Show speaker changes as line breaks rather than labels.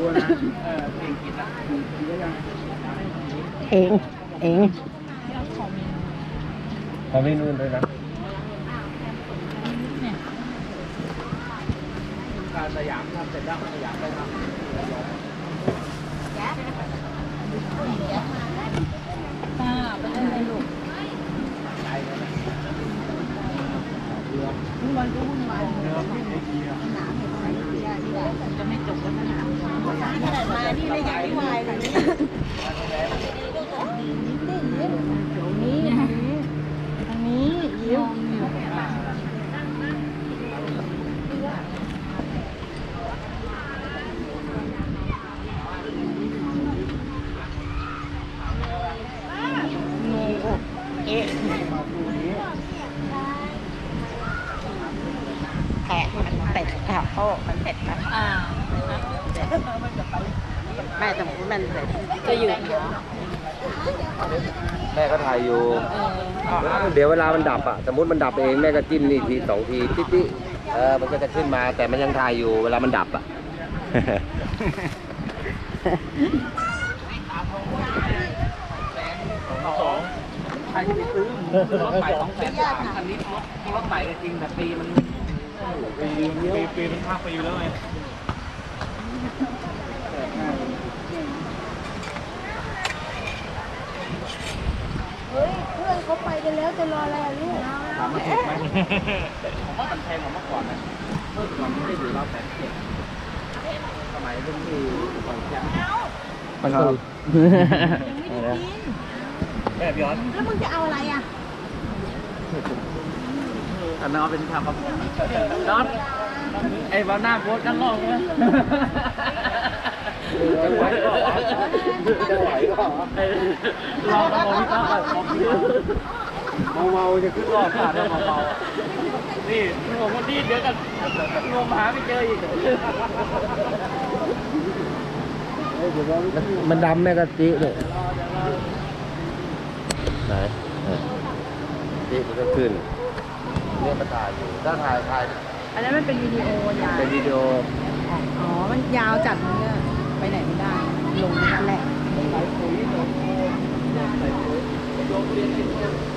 นะเองกินนะกินได้ยัง
เอง
ขอเมนูเลยนะการสยามทำเสร็จแล้วสยามไปทำ
ไปเลยลูกวุ่นวายก็วุ่นวายจะไม่จบแล้วนะขนาดมาที่ไม่ยังไม่วายเลยนี่ทางนี้ยิ้มเอ๊ะแผลมันเป็ดค่ะโอ้มันเป็ดนะแม่สมมติมันเป็ดจะอยู่
แม่ก็ถ่ายอยู่เดี๋ยวเวลามันดับอ่ะสมมติมันดับเองแม่ก็จิ้มนี่ทีสองทีติ๊ดมันก็จะขึ้นมาแต่มันยังถ่ายอยู่เวลามันดับอ่ะใครจะไปซื้อรถใหม่200,000 คันนี้รถใหม่ก็จริงแต่ปีมันปีมันภาคปีแล้วไง
เฮ้ยเพื่อนเขาไปกันแล้วจะรออะไรอ่ะลูก
ถามมาถูกไหมผมว่ามันแพงกว่าเมื่อก่อนนะเมื่อก่อนไม่ได้อยู่1,700,000สมัยรุ่นที่ก่อนแจ้งมันคือแม่พี่ออส
แล้วมึงจะเอาอะไรอ่ะ
อันนั้นเอาเป็นทางครับน็อตไอ้บ้าหน้าโพสกันลองเลยจะไหวก็ลองมองพี่ต้าเมาจะขึ้นรอบขาดแล้วเมานี่ผมคนที่เดี๋ยวกันงมหาไม่เจออีกมันดำแม่กะจิเลยไหนจิมันก็ขึ้นเนี่ยมาถ่ายอยู่ถ้าถ่าย
อันนั้นมันเป็นวิดีโอยาว
เป็นวิดีโอ
อ๋อมันยาวจัดมันก็ไปไหนไม่ได้ลงนั่นแหละ
ใส่ปุ๋ยใส่ปุ๋ยโยนเรียน